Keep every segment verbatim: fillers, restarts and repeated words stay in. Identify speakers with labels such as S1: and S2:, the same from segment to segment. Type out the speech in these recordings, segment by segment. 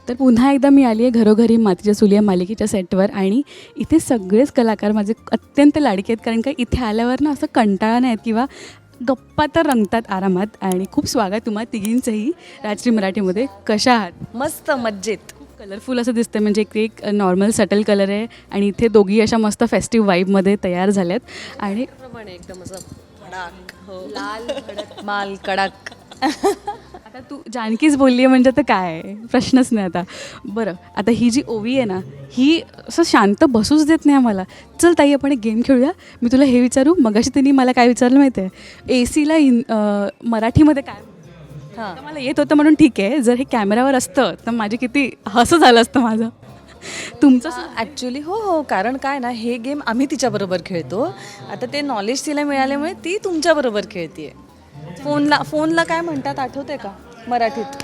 S1: तर पुन्हा एकदा मी आली आहे घरोघरी मातीच्या चुली या मालिकेच्या सेटवर आणि इथे सगळेच कलाकार माझे अत्यंत लाडके आहेत, कारण का इथे आल्यावर ना असं कंटाळा नाही आहेत किंवा गप्पा तर रंगतात आरामात. आणि खूप स्वागत तुम्हा तिघींचंही राजश्री मराठीमध्ये. कशा आहात?
S2: मस्त मज्जेत.
S1: खूप कलरफुल असं दिसतं, म्हणजे एक एक नॉर्मल सटल कलर आहे आणि इथे दोघी अशा मस्त फेस्टिव्ह वाईबमध्ये तयार झाल्यात. आणि
S2: प्रमाणे एकदम असं कडक, हो लाल भडक माल कडक.
S1: आता तू जानकीच बोलली आहे म्हणजे तर काय आहे? प्रश्नच नाही आता. बरं, आता ही जी ओवी आहे ना, ही असं शांत बसूच देत नाही आम्हाला. चल ताई आपण एक गेम खेळूया. मी तुला हे विचारू, मगाशी तिने मला काय विचारलं माहिती आहे? ए सीला इन अं, मराठीमध्ये काय?
S2: हां
S1: तर मला येत होतं म्हणून ठीक आहे. जर हे कॅमेरावर असतं तर माझे किती हसं झालं असतं माझं. तुमचं
S2: ॲक्च्युली हो हो कारण काय ना, हे गेम आम्ही तिच्याबरोबर खेळतो. आता ते नॉलेज तिला मिळाल्यामुळे ती तुमच्याबरोबर खेळते. फोनला फोनला काय म्हणतात आठवते का मराठीत?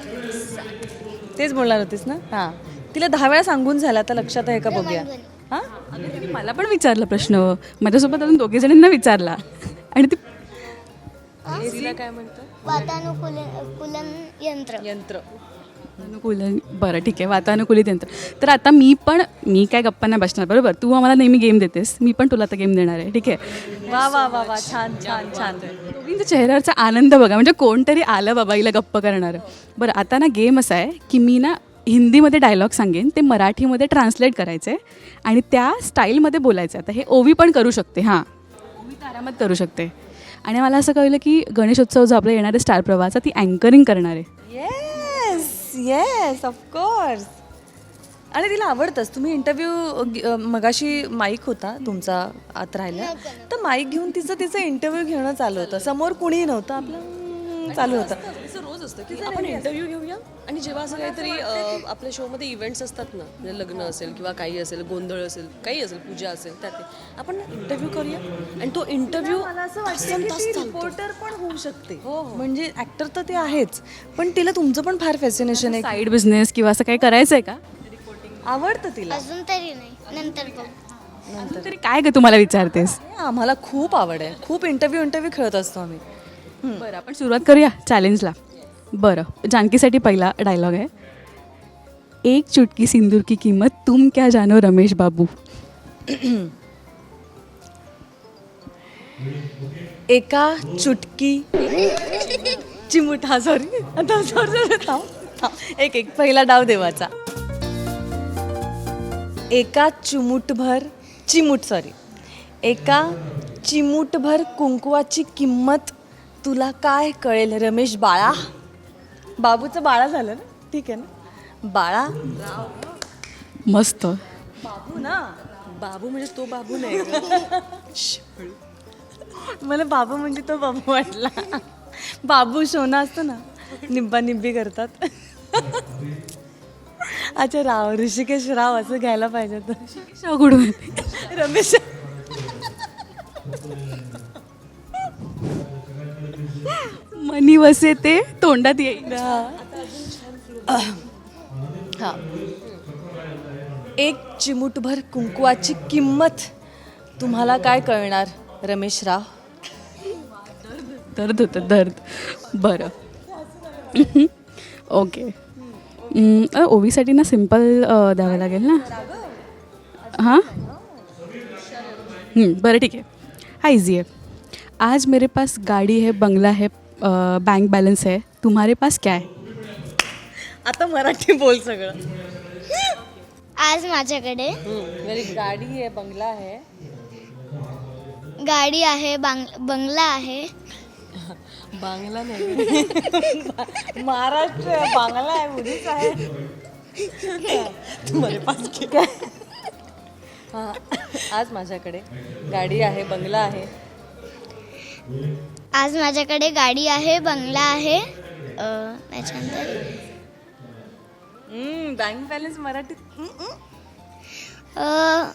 S2: तेच बोलणार होतीस ना? हां, तिला दहा वेळा सांगून झालं, आता लक्षात आहे का बघूया. हां,
S1: अगं तिने मला पण विचारलं प्रश्न, माझ्यासोबत अजून दोघे जणींना विचारला आणि ती
S2: तिला काय म्हणतात?
S3: वातानुकूलन यंत्र
S2: यंत्र.
S1: वातानुकूलन. बरं ठीक आहे, वातानुकूलित यंत्र. तर आता मी पण मी काय गप्पा नाही बसणार, बरोबर? तू आम्हाला नेहमी गेम देतेस, मी पण तुला आता गेम देणार आहे, ठीक आहे?
S2: वा वा वा वा छान छान छान.
S1: दोघींच्या चेहऱ्यावरचा आनंद बघा, म्हणजे कोणतरी आलं बाबा हिला गप्प करणार. बरं, आता ना गेम असा आहे की मी ना हिंदीमध्ये डायलॉग सांगेन, ते मराठीमध्ये ट्रान्सलेट करायचे आणि त्या स्टाईलमध्ये बोलायचं. आता हे ओवी पण करू शकते, हां ओवी तर आरामात करू शकते. आणि मला असं कळलं की गणेशोत्सव जो आपला येणार आहे स्टार प्रवाहाचा, ती अँकरिंग करणार आहे.
S2: Yes yes of course. आणि तिला आवडतंच. तुम्ही इंटरव्ह्यू मगाशी माईक होता तुमचा आत राहिला, तर माईक घेऊन तिचं तिचं इंटरव्ह्यू घेणं चालू होतं. समोर कुणीही नव्हतं, आपलं हम्म, चालू होतं.
S4: असं रोज असतं की आपण इंटरव्ह्यू घेऊया आणि जेव्हा असं काहीतरी अ, आपल्या शोमध्ये इव्हेंट्स असतात ना, म्हणजे लग्न असेल किंवा काही असेल, गोंधळ असेल, काही असेल, पूजा असेल, त्यात ते आपण इंटरव्ह्यू करूया आणि तो इंटरव्ह्यू
S2: मला असं वाटतं की ती रिपोर्टर पण होऊ शकते.
S4: हो, हो.
S2: म्हणजे ऍक्टर तर ते आहेच, पण तिला तुमचं पण फार फॅसिनेशन आहे.
S1: साईड बिझनेस किंवा असं काही करायचं आहे का?
S2: आवडतं तिला.
S3: अजून तरी नाही, नंतर बघू.
S1: अजून तरी काय ग तुम्हाला विचारतेस?
S2: हे आम्हाला खूप आवड आहे. खूप इंटरव्ह्यू इंटरव्ह्यू खेळत असतो आम्ही.
S1: बरं, आपण सुरुवात करूया चॅलेंजला. बरं, जानकीसाठी पहिला डायलॉग आहे. एक चुटकी सिंदूर की किंमत तुम क्या जानो रमेश बाबू.
S2: एका चुटकी चिमूट. हा सॉरी आता सॉरी थांब थांब एक एक पहिला डाव देवाचा. एका चिमूटभर चिमूट सॉरी एका चिमूटभर कुंकवाची किंमत तुला काय कळेल रमेश बाळा. बाबूचं बाळा झालं ना, ठीक आहे ना, बाळा.
S1: मस्त.
S2: बाबू ना,
S4: बाबू म्हणजे तो बाबू नाही गं.
S2: मला बाबू म्हणजे तो बाबू वाटला. बाबू शोना असतो ना, निब्बा निब्बी करतात. अच्छा राव, ऋषिकेश राव असं घ्यायला पाहिजे तर.
S1: शागुडून
S2: रमेश
S1: मनी वसे ते तोंडात येईल.
S2: हा. एक चिमूटभर कुंकवाची किंमत तुम्हाला काय कळणार रमेश राव.
S1: दर्द होतं दर्द. बरं ओके. अं, ओवीसाठी ना सिम्पल द्यावं लागेल ना. हां हं, बरं ठीक आहे. हा इझी है. आज मेरे पास गाड़ी है, बंगला है, बैंक बैलेंस है, तुम्हारे पास क्या है?
S2: आता मराठी बोल सगळं.
S3: आज माझ्याकडे
S4: मेरी गाडी आहे, बंगला आहे.
S3: गाडी आहे, बांग बंगला आहे.
S4: बांगला नाही,
S2: महाराष्ट्र आहे, बांगला आहे, उडीच आहे. तुम्हाला पास काय.
S4: हां, आज माझ्याकडे गाडी आहे, बंगला आहे.
S3: आज माझ्याकडे गाडी आहे, बंगला आहे. अं, त्याच्यानंतर
S2: बँक बॅलन्स मराठीत.
S3: अं,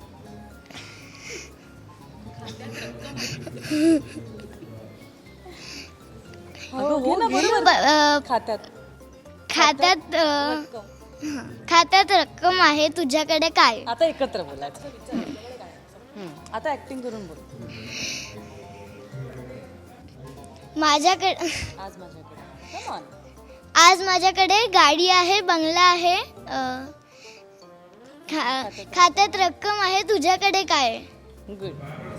S2: हो हो ना, बरोबर.
S3: ब- अं,
S2: खात्यात.
S3: खात्यात अं, खात्यात रक्कम आहे, तुझ्याकडे काय?
S2: आता एकत्र बोलायचं. हम्म, आता ऍक्टिंग करून बोल.
S3: माझ्याकडे
S2: आज माझ्याकडे. Come on.
S3: आज माझ्याकडे गाडी आहे, बंगला आहे, अ, खा खात्यात रक्कम आहे, तुझ्याकडे काय आहे?
S2: गुड.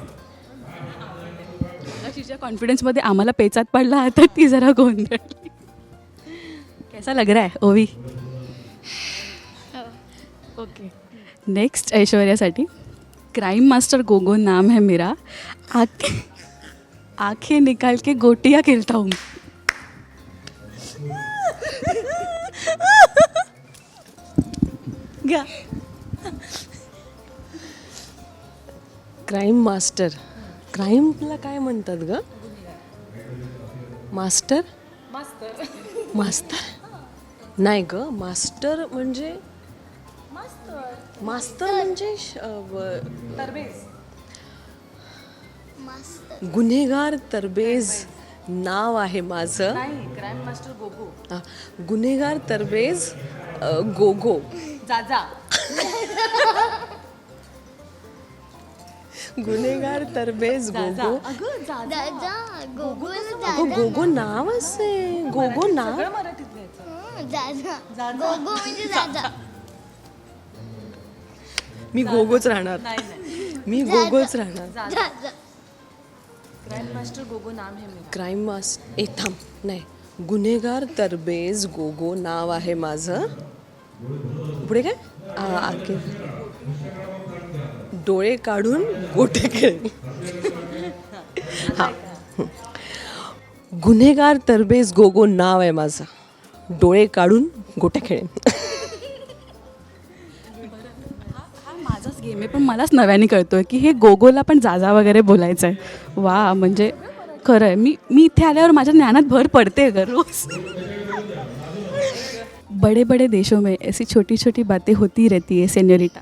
S1: तिच्या कॉन्फिडन्समध्ये आम्हाला पेचात पडला तर ती जरा गोंधळली. कैसा लग रहा है ओवी? ओके. नेक्स्ट ऐश्वर्यासाठी क्राइम मास्टर गोगो नाम है मेरा, आँखें आँखें निकाल के गोटियाँ खेलता हूँ.
S2: घ्या.
S4: Crime master. क्राईमला काय म्हणतात ग? मास्टर
S2: मास्तर.
S4: मास्तर नाही ग, मास्टर म्हणजे मास्तर म्हणजे श- अ, व-
S2: तरबेज.
S3: मस्त.
S4: गुन्हेगार तरबेज नाव आहे माझं.
S2: नाही, क्राईम मास्टर गोगो.
S4: हा, गुन्हेगार तरबेज अ, गोगो.
S2: जाजा.
S4: गुन्हेगार तरबेज गोगो.
S2: अगं जाजा.
S3: दादा गोगोल
S4: अगं
S3: दादा.
S4: गोगो नाव असे, गोगो नाव.
S2: सगळं मराठीत लिहायचं.
S3: हं, दादा गोगो म्हणजे दादा.
S4: मी गोगोच राहणार.
S2: नाही नाही.
S4: मी गोगोच राहणार.
S3: दादा.
S2: क्राईम मास्टर गोगो नाम है मेरा.
S4: क्राईम मास ए थांब नाही, गुन्हेगार तरबेज गोगो नाव आहे माझं. पुढे काय? आ, आके डोळे काढून गोटे खेळ. हा, गुन्हेगार तरबेज गोगो नाव आहे माझं, डोळे काढून गोटे खेळेन.
S1: हा माझाच गेम आहे, पण मलाच नव्याने कळतोय की हे गोगोला पण जाजा वगैरे बोलायचं आहे. वा, म्हणजे खरं आहे. मी मी इथे आल्यावर माझ्या ज्ञानात भर पडते ग रोज. बड़े बड़े देशों में ऐसी छोटी छोटी बातें होती रहती है सेन्योरिटा.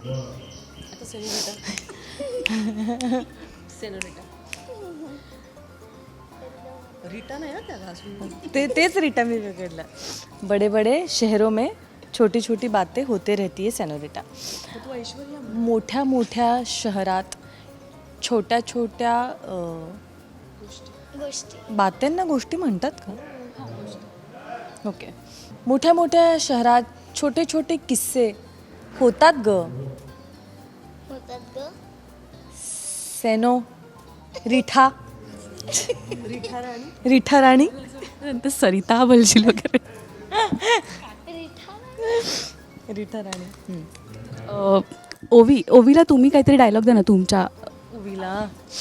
S4: रिटा नाही ना त्याला अजून.
S2: ते तेच रिटा मी पकडलं. बडे बडे शहरों में छोटी छोटी बातें होते रहती है सेनोरिटा. मोठ्या मोठ्या शहरात छोट्या छोट्या अ,
S3: गोष्टी.
S2: बातेंना गोष्टी म्हणतात का? ओके. मोठ्या मोठ्या शहरात छोटे छोटे किस्से होतात ग.
S3: होतात ग.
S2: सेनो रिठा. रिठा राणी.
S1: नंतर सरिता बोलशील वगैरे.
S2: रिठा राणी. हम्म.
S1: अ, ओवी ओवीला तुम्ही काहीतरी डायलॉग द्या ना तुमच्या.
S2: उवीला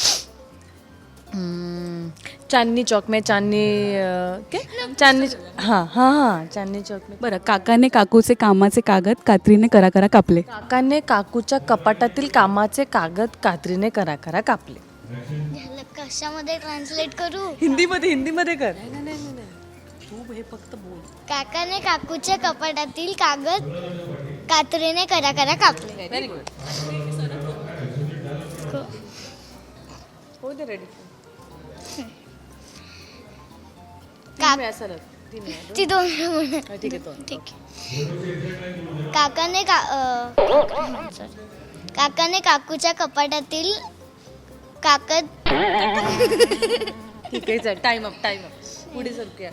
S2: हम्म, चांदनी चौक में चांदनी अ, क्या चांदनी हां हां हां चांदनी चौक में.
S1: बरं, काकाने काकूचे कामाचे कागद कात्रीने करा करा कापले.
S2: काकाने काकूच्या कपाटातील कामाचे कागद कात्रीने करा करा कापले.
S3: ह्याला कशामध्ये ट्रान्सलेट करू?
S2: हिंदीमध्ये हिंदीमध्ये कर.
S4: तू हे फक्त बोल.
S3: काकाने काकूच्या कपाटातील कागद कात्रीने करा करा कापले.
S2: Very good. हो दे रेडी.
S3: का-
S2: असं तीन वेळा.
S3: ती दोन म्हणा.
S2: ठीक आहे दोन.
S3: ठीक आहे. काकाने का अ, sorry. काकाने काकूच्या कपाटातील कागद.
S2: ठीक आहे टाइम अप टाइम अप. पुढे सरकूया.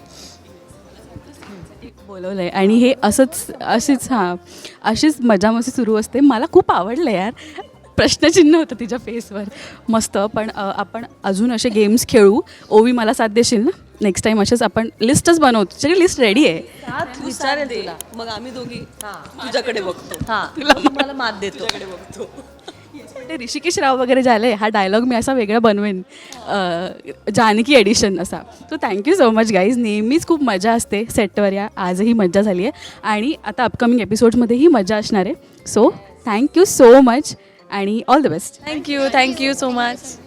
S1: बोलवलं आहे आणि हे असंच अशीच हां अशीच मजा मस्ती सुरू असते. मला खूप आवडलं यार. प्रश्नचिन्ह होतं तिच्या फेसवर. मस्त. पण अ, आपण अजून असे गेम्स खेळू. ओवी मला साथ देशील ना? नेक्स्ट टाईम असेच आपण लिस्टच बनवतो. तुझ्याकडे लिस्ट रेडी आहे.
S2: सात विचारेल तुला.
S4: मग आम्ही दोघी तुझ्याकडे बघतो.
S2: हां तुला मला मात देतो.
S4: बघतो.
S1: ते ऋषिकेश राव वगैरे झाले. हा डायलॉग मी असा वेगळा बनवेन, अ, जानकी एडिशन असा. So thank you so much guys. नेहमीच खूप मजा असते सेटवर. या आजही मजा झाली आहे आणि आता अपकमिंग एपिसोड्समध्येही मजा असणार आहे. सो थँक्यू सो मच आणि all the best.
S2: Thank you thank you so much.